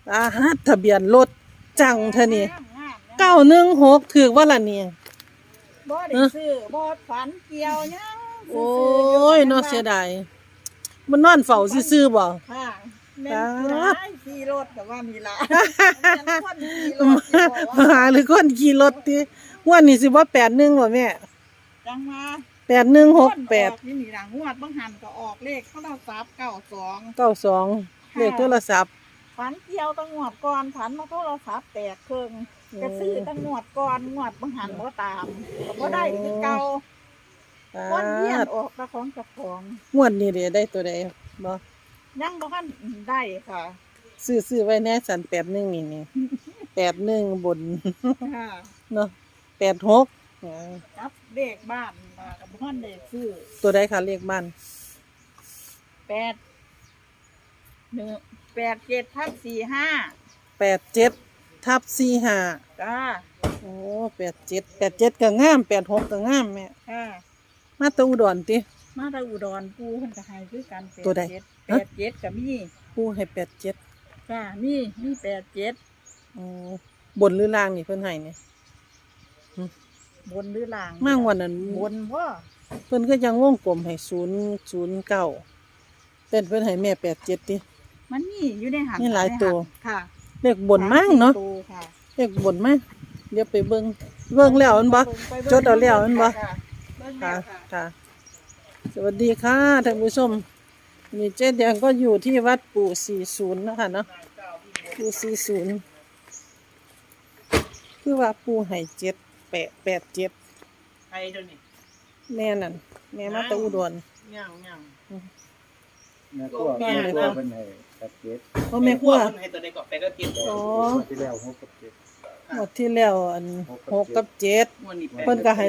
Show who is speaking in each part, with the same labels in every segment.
Speaker 1: ทะเบียนรถจังเท่านี้
Speaker 2: งาม
Speaker 1: 916ถูกว่าล่ะนี่
Speaker 2: บ่ได้ซื้อบ่ฝันเกี่ยวหยัง
Speaker 1: โอ้ยเนาะเสียดายมันนอนเฝ้าซื่อๆบ่
Speaker 2: ค่ะแม่นผู้ใดขี่รถก็ว่ามีล่ะแม่นคนขี่รถสิบอก
Speaker 1: มา
Speaker 2: ว่า
Speaker 1: หาหรือคนขี่รถติงวดนี้สิบ่81บ่แม่
Speaker 2: จังมา
Speaker 1: 8168
Speaker 2: นี่ล่ะงวดบางหันก็ออกเลขโทรศัพท์92
Speaker 1: 92เลขโทรศัพท์
Speaker 2: ฝันเกี่ยวตั้งงวดก่อนฝันมาโทรศัพท์แตกครึ่งก็ซื้อตั้งงวดก่อนงวดบางหันบ่ตามก็บ่ได้คือเก่าวนเวียนออกตะของเจ้าของ
Speaker 1: งวดนี้เด้ได้ตัวใดบ่
Speaker 2: ยังบ่ทันได้ค่ะ
Speaker 1: ซื้อไว้แน่สัน81นี่81บน
Speaker 2: ค่ะ
Speaker 1: เนาะ86
Speaker 2: ครับเลขบ้านมากับบ่ทันได้ซื้อ
Speaker 1: ตัวใดคะเลขบ้าน
Speaker 2: 87/45
Speaker 1: 87/45
Speaker 2: จ้า
Speaker 1: โอ้87ก็งาม86ก็งามแม่
Speaker 2: ค่ะ
Speaker 1: มาแตะอุดรติ
Speaker 2: มาจากอุดรปูเพิ่นก็ให้คือกัน
Speaker 1: ตัวใด
Speaker 2: 87ก็มี
Speaker 1: ผู้ให้87
Speaker 2: จ้ามี87
Speaker 1: อ๋อบนหรือล่างนี่เพิ่นให้นี่
Speaker 2: บนหรือล่าง
Speaker 1: มางวดนั้น
Speaker 2: บนบ่
Speaker 1: เพิ่นก็ยังวงกลมให้009เต้นเพิ่นให้แม่87ติ
Speaker 2: มันมีอยู่ในหัน
Speaker 1: มีหลายตัว
Speaker 2: ค่ะ
Speaker 1: เลขบนมั่งเนาะ
Speaker 2: ตัวค่ะ
Speaker 1: เลขบนมาเดี๋ยวไปเบิ่งแล้วแม่นบ่ จดเอาแล้วแม่นบ่
Speaker 2: ค่ะเบิ่งแล้
Speaker 1: ค่ะ
Speaker 2: วค่ะ
Speaker 1: ค่ะ สวัสดีค่ะท่านผู้ชมนี่เจ๊แดงก็อยู่ที่วัดปู่40นะคะเนาะปู่40คือว่าปู่ให้7887
Speaker 3: ไอ้เดี๋ยวนี้
Speaker 1: แม่นั่นแม่มาแตะอุดร
Speaker 3: ย่างย่าง
Speaker 4: แม่ครัวเป็นให้กับเจ็ด
Speaker 1: เพราะแม่ครัว
Speaker 3: คนให้ตัวใดก็ไปก็กิน
Speaker 1: อ๋อ
Speaker 4: ที่แล้ว6กับ7
Speaker 1: หมดที่แล้วอัน6กับ7
Speaker 3: วันนี้
Speaker 1: เพิ่นก็ให้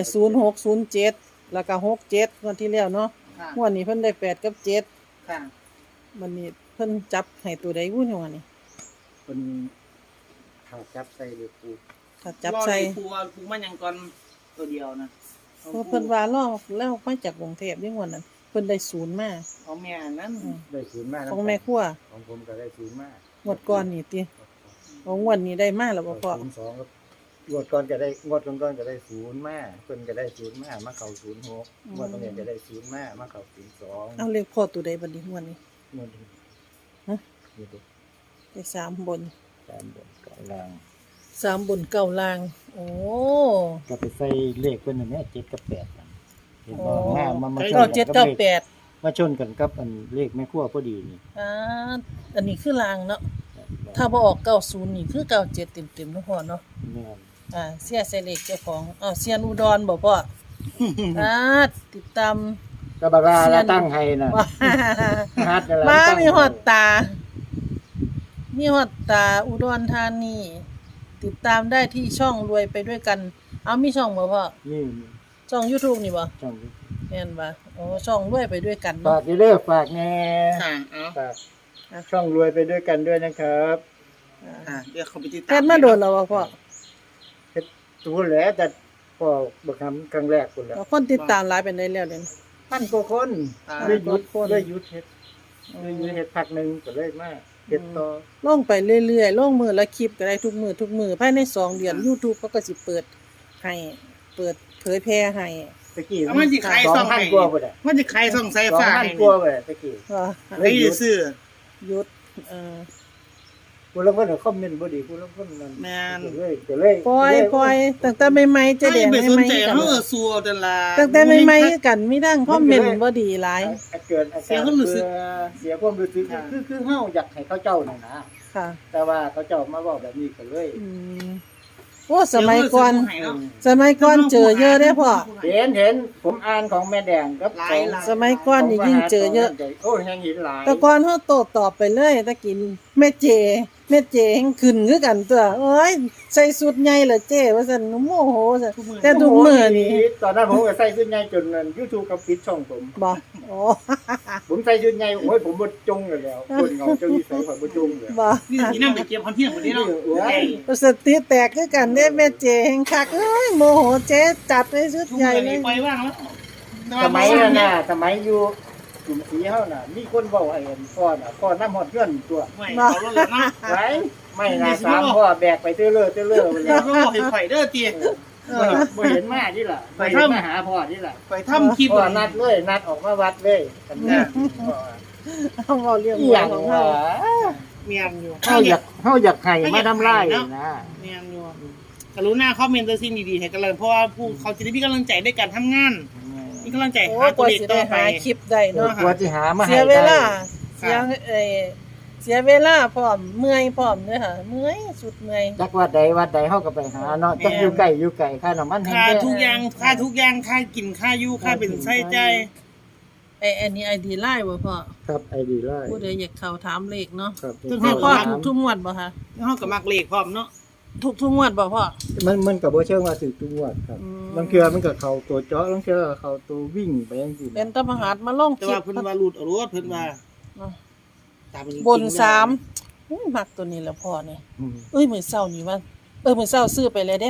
Speaker 1: 0607แล้วก็67งวดที่แล้วเนาะ
Speaker 3: ค่ะ
Speaker 1: งวดนี้เพิ่นได้8กับ7
Speaker 3: ค่ะ
Speaker 1: วันนี้เพิ่นจับให้ตัวใดวุ้นว่านี่
Speaker 4: เป็นขาจับใส่เดือปู
Speaker 1: ถ้าจับใส่
Speaker 3: ครูมันยังก่อนตัวเดียวนะ
Speaker 1: เพราะเพิ่นว่าลอกแล้วมาจากกรุงเทพนี่งวดนั้นเพิ่นได้0มา
Speaker 3: เอาแม่นั้น
Speaker 4: ได้ศูนย์มาก
Speaker 1: ของแม่ครัว
Speaker 4: ของผมก็ได้ศูนย์มาก
Speaker 1: งวดก่อนนี่ติของงวดนี้ได้มาแล้วบ่พ่อ
Speaker 4: 02ครับงวดก่อนก็ได้งวดก่อนก็ได้ศูนย์มากเพิ่นก็ได้ศูนย์มากมาเข้า06งวดนี้ก็ได้ศูนย์มากมาเข้า02
Speaker 1: เอาเลขพ่อตัวใดบัดนี้งวดนี้
Speaker 4: งวดนี้
Speaker 1: ฮะ
Speaker 4: นี่ดู
Speaker 1: ได้3บน
Speaker 4: ตามบนกลาง
Speaker 1: 3บน9ล่างโอ้
Speaker 4: ก็ไปใส่เลขเพิ่นอันนี้7กับ8นั่นเห็นบ่มาชน
Speaker 1: เก้า
Speaker 4: กั
Speaker 1: เจ็ด
Speaker 4: นกั
Speaker 1: เก้า
Speaker 4: บเล
Speaker 1: แป
Speaker 4: ข
Speaker 1: ด
Speaker 4: มาชนกันกับอันเลขแม่ครัวพอดีนี่
Speaker 1: อันนี้คือล่างเนาะถ้าบ่ออก90นี่คือ97เต็มๆเนาะพ่อเนาะ
Speaker 4: แม่น
Speaker 1: เสียใส่เลขเจ้าของเสียนอุดรบ่พ่อ ติดตาม
Speaker 4: ก็บาราแล้วตั้งให้น่ะ
Speaker 1: ว่า
Speaker 4: ฮัดนั่นแหละ
Speaker 1: มา
Speaker 4: ตั้ง
Speaker 1: มีฮอดตา มีฮอดตาอุดรธานีติดตามได้ที่ช่องรวยไปด้วยกัน เอามีช่องบ่พ่อ
Speaker 4: นี่
Speaker 1: ช่อง YouTube นี่บ่
Speaker 4: ช่อง
Speaker 1: แม่นบ่โอ้ช่องรวยไปด้วยกัน
Speaker 4: ฝา
Speaker 1: เนาะ
Speaker 4: กเด้อฝากแน่
Speaker 3: ค่ะเอา
Speaker 4: ฝากช่องรวยไปด้วยกันด้วยนะครับ
Speaker 3: ค่ะเดี๋ยวเขาไปติดตาม
Speaker 1: เฮ็ดมาโดนแล้วบ่พ่อ
Speaker 4: ตัวแหละแต่พ่อบ่ทำครั้งแรกพุ่นแล้ว
Speaker 1: คนติดตามหลายเป็นได้แล้วเด้
Speaker 4: พันกว่าคนเลยหยุดเลยหยุดเฮ็ดเลยหยุดเฮ็ดพักหนึงก็เลยมาเฮ็ดต่อ
Speaker 1: ลงไปเรื่อยๆลงมือละคลิปก็ได้ทุกมื้อภายใน2เดือน YouTube เขาก็สิเปิดให้เปิดเผยแพร่ให้
Speaker 4: ตะกี้
Speaker 3: เอามันจะขายซ่องให้
Speaker 4: 2,000กว่าบ่ได้
Speaker 3: มันจะขายซ่องไฟฟ้าให้
Speaker 4: 2,000กว่าบ่ได้ตะกี้
Speaker 1: ว่า
Speaker 3: ไอ้ซื้อ
Speaker 1: หยุด
Speaker 4: ผู้ลางคนก็คอมเมนต์บ่ดีผู้ลางคนนั่น
Speaker 3: แม่น
Speaker 4: ก็เลย
Speaker 1: ปล่อยตั้งแต่ใหม่ๆเจะแดง
Speaker 3: ไม่สน
Speaker 1: ใหม่
Speaker 3: ใจ
Speaker 1: ๆกัน
Speaker 3: เขาสัวแต่ละ
Speaker 1: ตั้งแต่ใหม่ๆกันมีทั้งคอมเมนต์บ่ดีหลาย
Speaker 4: เกิดอาการ
Speaker 3: เสียความรู้สึก
Speaker 4: เสียความรู้สึกคือเฮาอยากให้เขาเจ้านั่นนะ
Speaker 1: ค่ะ
Speaker 4: แต่ว่าเขาเจ้ามาเว้าแบบนี้ก็เลย
Speaker 1: อืมโอ้สมัยก่อนเจอเยอะเด้อพ่อ
Speaker 4: เห็นผมอ่านของแม่แดงกับของ
Speaker 1: สมัยก่อนนี่ยิ่งเจอเยอะ
Speaker 4: โอ้ยยังเห็นหลาย
Speaker 1: แต่ก่อนเฮาโต้ตอบไปเลยตะกินแม่เจแฮงขึ้นคือกันตัวโอ้ยใส่สุดใหญ่เหรอเจ้ว่าซั่นโมโหซั่นแต่ทุกมื้อนี่
Speaker 4: ตอนนั้นผมก็ใส่ชุดใหญ่จนนั่น YouTube ก็ปิดช่องผม
Speaker 1: บ่โอ้
Speaker 4: ผมใส่ชุดใหญ่โอ้ยผมบ่จงเลยแล้วคนเงาเจ้านิสัยข่อยบ่จงเลย
Speaker 1: บ่
Speaker 3: นี่นั่งไปเก็บคอนเทนต์หมดนี้เนาะ
Speaker 4: โอ้ย
Speaker 1: สติแตกคือกันเด้แม่เจแฮงคักเอ้ยโมโหเจ๊จัดเลยชุดใหญ่เลย
Speaker 3: ปล่อยว่างแล้ว
Speaker 4: สมัยนั้นน่ะสมัยอยู่กลุ่มสีเฮาน่ะมีคนเว้าให้พ่อน่ะพ่อนำฮอดเพื่อนตัว
Speaker 3: ไม่เอารถเลยเนาะ
Speaker 4: ไว้ไม่นะสามพ่อแบกไปเตื้อเลื่อไป
Speaker 3: แล้
Speaker 4: แล้ว ว
Speaker 3: ก็บอกให้ข่อยเด้อตี
Speaker 4: บ่เห็นมาที่ล่ะบ่เห็นมาหาพ่อที่ล่ะ
Speaker 3: ข่อยทำคลิป
Speaker 4: พ่อนัดเลยนัดออกมาวัดเลยกันนะ
Speaker 1: เอาเอาเรื่อง
Speaker 4: อีหยัง
Speaker 1: ของ
Speaker 4: วะ
Speaker 1: เฮา
Speaker 3: เมียนอยู่
Speaker 4: เฮาอยากให้มาทำลายนะ
Speaker 3: เมียนอยู่กรุณาคอมเมนต์ตัวสิ่งดีๆให้กันเลยเพราะว่าผู้เขาจะได้มีกำลังใจในการทำงานมีกำลังใจ
Speaker 1: โอ้
Speaker 3: หาก ตัว
Speaker 1: ว่า
Speaker 3: เลข
Speaker 1: สิ
Speaker 3: ต่
Speaker 1: ได้
Speaker 3: อไป
Speaker 1: หาคลิปได้เนาะ
Speaker 4: กว่าสิหามาให้
Speaker 1: เสียเวลา
Speaker 3: ค่ะ
Speaker 1: เสียเวลาพร้อมเมื่อยพร้อมเด้อค่ะเมื่อยสุดเมื่อย
Speaker 4: จักวัดใดเฮาก็ไปหาเนาะจักอยู่ไกลค่าน้ำมันแพง
Speaker 3: ค่าทุกอย่างค่ากินค่าอยู่ค่าเป็นไส้ใจ
Speaker 1: อันนี้ ID ไลน์บ่พ่อ
Speaker 4: ครับไอดีไล่
Speaker 1: ผู้ใดอยากเข้าถามเลขเนาะ
Speaker 4: ครับ
Speaker 1: ให้พ่อถูกทุกงวดบ่คะ
Speaker 3: เฮาก็มักเลขพร้อมเนาะ
Speaker 1: ทุกงวดบ่พ่อ
Speaker 4: มันก็บ่เชิงว่าถึงทุกงวดครับ
Speaker 1: อืม
Speaker 4: บางเทื่อมันก็เข้าตัวเจาะบางเทื่อก็เข้าตัววิ่งไปจังซี่
Speaker 1: เป็นตะมหาดมาลง
Speaker 3: แต่
Speaker 1: คลิ
Speaker 3: ว่า
Speaker 1: ป
Speaker 3: เพิ่นว่ารูดเอารถเพิ่นว่า
Speaker 1: เนาะ
Speaker 3: ตามมัน
Speaker 1: บน3อุ้ยมักตัวนี้แหละพ่อนี่เอ้ยมื้อเช้านี่ว่ามื้อเช้าซื้อไปเลยเด้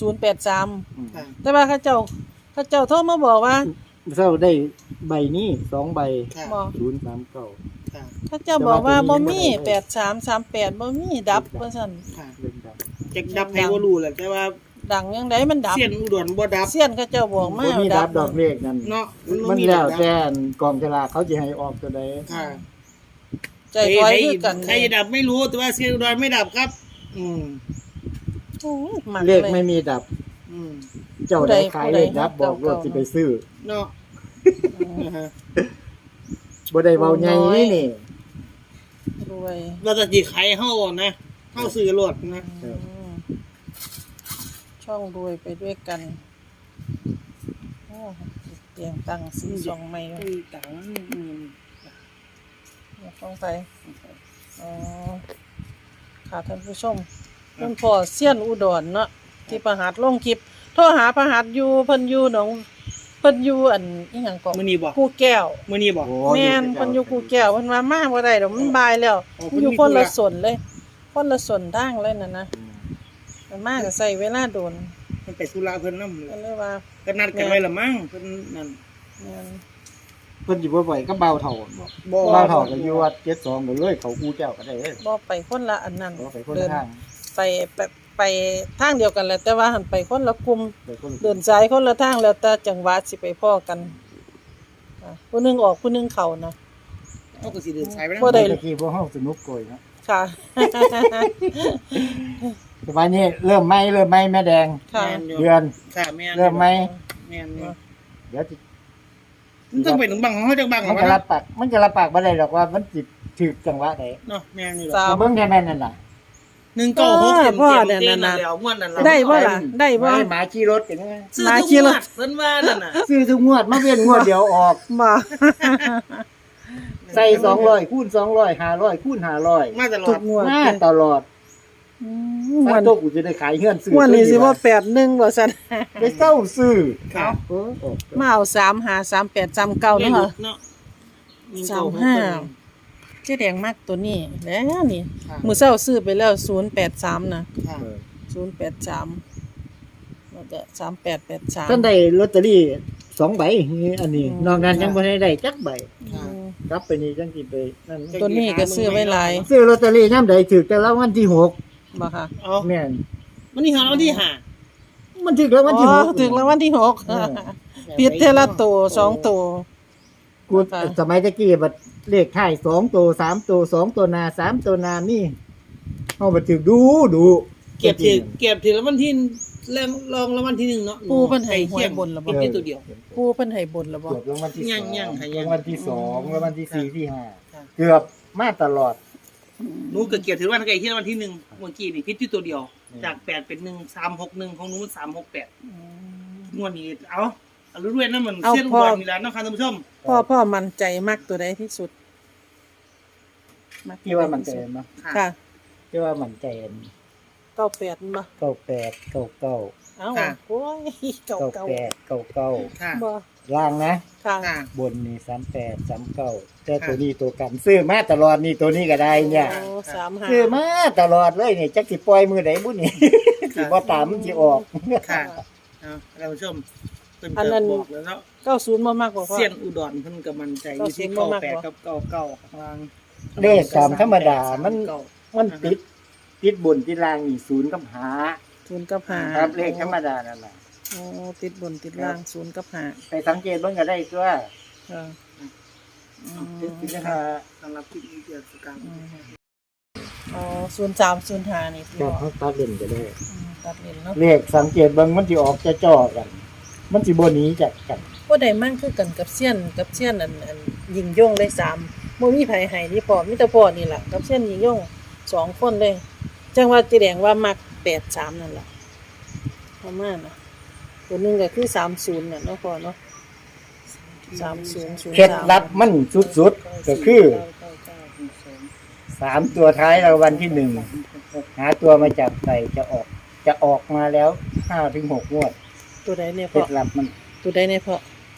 Speaker 1: 083
Speaker 3: ค่ะ
Speaker 1: แต่ว่าเขาเจ้าโทรมาบอกว่า
Speaker 4: เช้าได้ใบนี้2ใบ
Speaker 3: ค่ะ
Speaker 1: บอก
Speaker 4: 039
Speaker 3: ค่ะ
Speaker 1: เขาเจ้าบอกว่าบ่มี8338บ่มีดับว่าซั่น
Speaker 3: ค่ะ
Speaker 4: เล่นดับ
Speaker 3: จักดับให้บ่รู้แหละแต่ว่า
Speaker 1: ดังยังไดมันดับ
Speaker 3: เสียนอุดรบ่ดับ
Speaker 1: เสียนเขาเจ้าบอกมา
Speaker 4: บ่มีดับดอกเลขนั่น
Speaker 3: เนาะ
Speaker 4: มันแล้วแต่กองฉลากเขาสิให้ออกตัวใด
Speaker 3: ค่ะ
Speaker 1: ใจถอยคือกัน
Speaker 3: ใครจะดับไม่รู้แต่ว่าเสียนอุดรไม่ดับครับ อืม
Speaker 1: โอ้ยมัก
Speaker 4: เลขไม่มีดับ
Speaker 3: อืม
Speaker 4: เจ้าใดขายเลขดับบอกรถสิไปซื้อ
Speaker 3: เนาะนะฮะ
Speaker 4: บ่ได้เว้าใหญ่นี่
Speaker 1: รวย
Speaker 3: เราจะสิขายเฮานะเฮาซื้อรถนะ
Speaker 1: อืมช่องรวยไปด้วยกันโอ้เตรียมตั้งสีสองใหม่ไว้
Speaker 3: ตังอืม
Speaker 1: ต้องไปอ๋อค่ะท่านผู้ชมคุณพ่อเซียนอุดรเนาะที่ประหัดลงคลิปโทรหาประหัดอยู่เพิ่นอยู่หนองเพิ่นอยู่อันอีหยังก็
Speaker 3: มื้อนี้บ่
Speaker 1: กูแก้ว
Speaker 3: มื้อนี้บ่
Speaker 1: แม่นเพิ่นอยู่กูแก้วเพิ่นว่ามาบ่ได้ดอกมันบ่ายแล้ว
Speaker 3: อ๋อ
Speaker 1: มันอยู่คนละส่วนเลย คนละส่วนทางเลยนั่นนะมันมาก็ใช้เวลาโดน
Speaker 3: เพิ่นไปธุระเพิ่นนำ
Speaker 1: ก็เลยว่า
Speaker 3: ก็นัดกันไว้ละมั้งเพิ่นนั่น
Speaker 1: แม่น
Speaker 4: เพิ่นสิบ่บ่อยก็เบาเท่าบ่
Speaker 3: บ่
Speaker 4: เบาเท่าก็อยู่วัด72ก็เลยเขากูเจ้าก็ได้เด้อ
Speaker 1: บ่ไปคนละอันนั้น
Speaker 4: บ่ไปคน
Speaker 1: เดิ
Speaker 4: ละ
Speaker 1: น
Speaker 4: ทาง
Speaker 1: ไปทางเดียวกันแหละแต่ว่าหันไปคนละกลุ่ม
Speaker 4: ไปคนละ
Speaker 1: เดินสายคนละทางแล้วแต่จังหวะสิไปพ้อกันผู้หนึงออกผู้หนึงเข้านะ
Speaker 3: เฮาก็สิเดินสายไป
Speaker 1: บ่ได้
Speaker 4: เมื่อกี้พวกเฮาสนุกโกยเนาะ
Speaker 1: ค่ะ
Speaker 4: แต่ว่านี้เริ่มไหมแม่แดง
Speaker 1: ค่ะ
Speaker 4: เดือน
Speaker 3: ค่ะแม่น
Speaker 4: เริ่มไหม
Speaker 3: แม่นอยู่
Speaker 4: เดี๋ยวสิ
Speaker 3: มันต้องเป็นบังของเฮาจังบัง
Speaker 4: มันก็รับปากบ่ได้หรอกว่ามันสิถึกจังหวะใด
Speaker 3: เนาะแม่นอยู่
Speaker 1: สาม
Speaker 4: เบิ่งแค่แม่นนั่นล่ะ
Speaker 3: 196เต็ม
Speaker 1: พ่อ
Speaker 3: เต็ม
Speaker 1: เนี่ย
Speaker 3: นั่น
Speaker 1: น่ะ
Speaker 3: แล้วม่วนนั่นล่ะ
Speaker 1: ได้บ่ล่ะได้บ่
Speaker 4: หมาขี่รถกันนะ
Speaker 3: ซื้อ
Speaker 1: มา
Speaker 3: ทุก
Speaker 1: ขี่
Speaker 3: ง
Speaker 1: ร
Speaker 3: ว
Speaker 1: ถ
Speaker 3: ดเพิ่นว่านั่นน่ะ
Speaker 4: ซื้อทุกงวดมาเว้นงวดเดียวออก
Speaker 1: มา
Speaker 4: ใส่200คูณ200 500คูณ500
Speaker 3: มาตลอ
Speaker 1: ทุ
Speaker 3: ด
Speaker 1: กงวด
Speaker 4: มาตลอด
Speaker 1: งว
Speaker 4: ถ้า
Speaker 1: ด
Speaker 4: โตกูจะได้ขายเฮือนซื้อ
Speaker 1: งวดนี้สิว่า81บ่ซั่น
Speaker 4: ได้เศร้าซื้อ
Speaker 3: ครับ
Speaker 4: เออออก
Speaker 1: มาเอา353839เนาะค่ะ
Speaker 3: เนาะ
Speaker 1: เจ๊แดงมากตัวนี้แล้วนี่
Speaker 3: ค่ะ
Speaker 1: มื้อเช้าซื้อไปแล้ว083นะ
Speaker 3: ค่ะ
Speaker 4: เออ
Speaker 1: 083แล้วก็3883
Speaker 4: ท่านได้ลอตเตอรี่2ใบนี่อันนี้นอกนั้นยังบ่ได้จักใบ
Speaker 1: อืม
Speaker 4: กลับไปนี่จังสิไปนั่น
Speaker 1: ตัวนี้ก็ซื้อไว้หลาย
Speaker 4: ซื้อลอตเตอรี่ยามใดถูกแต่ละวันที่6
Speaker 1: บ่ค่ะ
Speaker 3: เอา
Speaker 4: แม่น
Speaker 3: มันนี่หาเอาที่หา
Speaker 4: มันถูกแล้ววันที่
Speaker 1: อ๋อ
Speaker 4: 6
Speaker 1: ถึงรางวัลที่หก
Speaker 4: เออ
Speaker 1: ผิดเทอละตัว2ตัว
Speaker 4: กูสมัยตะกี้บัดเลขท้าย2ตัว3ตัว2ตัวหน้า3ตัวหน้านี่เฮาบ่ถูกดู
Speaker 3: เก็บถึงแล้ววันที่แรงรองแล้ววันที่1เนาะ
Speaker 1: ปู่เพิ่นให้หวยบนแล้วบ่
Speaker 3: เก็บตัวเดียว
Speaker 1: ปู่เพิ่นให้บนแล้วบ่
Speaker 4: เกือบรางวัลที่
Speaker 3: ยังค่ะยัง
Speaker 4: รางวัลที่2รางวัลที่4ที่
Speaker 3: ค่ะ
Speaker 4: 5เกือบมาตลอด
Speaker 3: หนูก็เก็บถึงวันไกลที่วันที่1เมื่อกี้นี่พิษที่ตัวเดียว จาก8เป็น1 361ของหนู368งวดนี้เอารู้ด้วยนะมันเส้นอุดรนี่แหละเนาะค่ะท่านผู้ชม
Speaker 1: พ่อมั่นใจมากตัวใดที่สุดก
Speaker 4: ที่ว่ามันใจเนาะ
Speaker 1: ค่ะ
Speaker 4: ที่ว่ามันใจอัน
Speaker 1: 98บ่
Speaker 4: 98 99
Speaker 1: เอ้าโอ้ยเก่า
Speaker 4: 98 99
Speaker 3: ค่ะ
Speaker 1: บ่
Speaker 4: ล่างนะ
Speaker 1: ค่ะ
Speaker 3: ค่ะ
Speaker 4: บนนี่38 39แต่ตัวนี้ตัวกันซื้อมาตลอดนี่ตัวนี้ก็ได้เนี่ย
Speaker 1: โอ้35
Speaker 4: ซื้อมาตลอดเลยนี่จักสิปล่อยมือใดบุนี่ สิบ่ตามมันสิออก
Speaker 3: ค่ะเอาท่านผู้ชมเพิ่นก็บอกแล้วเนาะ
Speaker 1: 90บ่มากกว่าพ่อ
Speaker 3: เสียนอุดรเพิ่นก็มั่นใจอยู่ที่
Speaker 1: 90บ่มากกว่า
Speaker 3: 98กับ99ข้างล่าง
Speaker 4: เลขตามธรรมดามัน
Speaker 3: เก้า
Speaker 4: มันติดติดบนติดล่างนี่ศูนย์กับหา
Speaker 1: ศูนย์กับห้า
Speaker 4: ครับเลขธรรมดานั่นแหละ
Speaker 1: โอ้ติดบนติดล่างศูนย์กับห้า
Speaker 4: ไปสังเกตเบิ่งก็ได้ตัว
Speaker 1: ค่ะอืม
Speaker 4: ติดนะฮะ
Speaker 3: สำหรับคลิปนี้เกี่ยวกับการ
Speaker 1: อ๋อ0305นี่พี่
Speaker 4: ก็
Speaker 1: บอก
Speaker 4: เขาตัดเล่นก็ได้
Speaker 1: ตัดเลนเนาะ
Speaker 4: เลขสังเกตเบิ่งมันสิออกจะจ่อกัน มันสิบ่หนีจากกัน
Speaker 1: บ่ได้มั่งคือกันกับเซียนอันยิงย่งได้3บ่มีไผให้นี่พ่อมีแต่พ่อนี่ล่ะกับเซียนยิงย่ง2คนเลยจังว่าสิแดงว่ามัก83นั่นล่ะประมาณน่ะตัวหนึงก็คือ30น่ะเนาะพ่อเนาะ3003
Speaker 4: เคล็ดลับมันสุดๆก็คือ3ตัวท้ายรางวัลที่1หาตัวมาจับใส่จะออกมาแล้ว5ถึง6งวด
Speaker 1: ตัวใดเนี่ย
Speaker 4: เค
Speaker 1: พ่
Speaker 4: ล็
Speaker 1: อ
Speaker 4: ดลับมัน
Speaker 1: ตัวใดเนี่ยพ่อ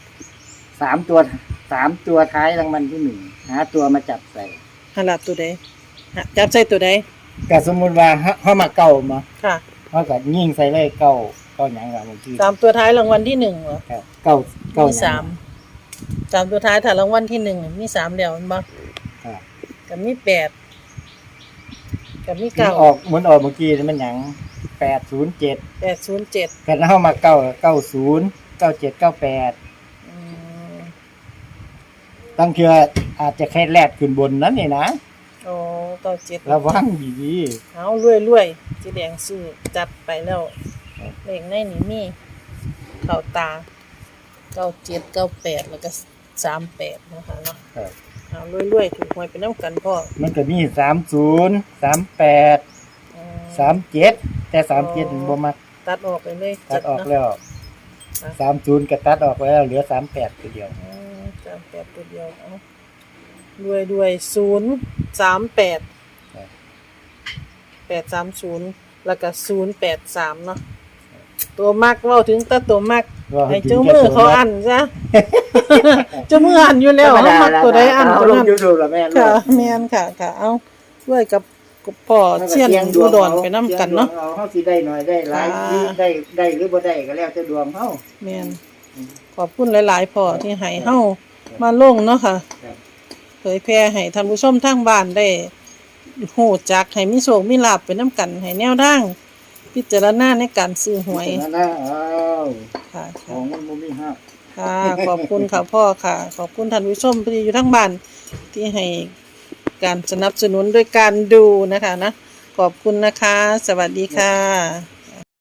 Speaker 4: 3ตัวท้ายรางวัลที่1หาตัวมาจับใส่
Speaker 1: หาลับตัวใดจับใส่ตัวใด
Speaker 4: ก็สมมุติว่าเฮามาเก่ามา
Speaker 1: ค่ะ
Speaker 4: เฮาก็ยิงใส่เลยเก่าหยังล่ะบางที
Speaker 1: 3ตัวท้ายรางวัลที่1เหรอ
Speaker 4: ครับเก่า
Speaker 1: มี
Speaker 4: หยัง
Speaker 1: 3ตัวท้ายถ้ารางวัลที่1มี3แล้วแม่นบ่
Speaker 4: ครับ
Speaker 1: ก็มี8ก็มี
Speaker 4: มันออกเหมือนออกเมื่อกี้นี่มันหยัง807
Speaker 1: 807
Speaker 4: กันเฮามาเก่า90 97 98
Speaker 1: อืม
Speaker 4: ตั้งเทื่ออาจจะแค่แลดขึ้นบนนั้นนี่นะ
Speaker 1: โอ้97
Speaker 4: ระวังดี
Speaker 1: เอารวยๆสิแดงซื้อจัดไปแล้วเลขในนี่มีเข้าตา97 98แล้วก็38นะคะเนาะ
Speaker 4: ๆครับ
Speaker 1: เอารวยๆถูกหวยไปนำกันพ่อ
Speaker 4: มันก็มี30 38
Speaker 1: อืม
Speaker 4: 37แต่37นี่บ่มัก
Speaker 1: ตัดออกไปเลย
Speaker 4: ตัดออก
Speaker 1: เนาะ
Speaker 4: แล้ว30ก็ตัดออกแล้วเหลือ38ตัวเดียว
Speaker 1: 38ตัวเดียวเอาด้วย038 830แล้วก็083เนาะตัวมักเว้าถึงแต่ตัวมักให้เจ้ามือเขาอันซะ เจ้ามืออันอยู่แล้วเฮามักตัวใดอันตัวนั้น
Speaker 4: ลง YouTube แล้วแม่น
Speaker 1: ค่ะแม่นค่ะเอาด้วยกับพ่อเชียนอุดรไปนำกันเนาะ
Speaker 4: เฮาสิได้หน่อยได้หลาย
Speaker 1: ค่ะ
Speaker 4: หรือได้หรือบ่ได้ก็แล้วแต่ดวงเฮา
Speaker 1: แม่นขอบคุณหลายๆพ่อที่ให้เฮามาลงเนาะค่ะ
Speaker 4: ครับ
Speaker 1: เผยแพร่ให้ท่านผู้ชมทางบ้านได้ฮู้จักให้มีโชคมีลาภไปนํกันให้แนวทางพิจารณาในการซื้อหวย
Speaker 4: นั่นนะอ้าว
Speaker 1: ค่ะ
Speaker 4: ของมันบ่มีฮัก
Speaker 1: ค่ะ ขอบคุณค่ะพ่อค่ะ ขอบคุณท่านผู้ชมที่อยู่ทั้งบ้านที่ให้การสนับสนุนด้วยการดูนะคะนะ ขอบคุณนะคะ สวัสดีค่ะ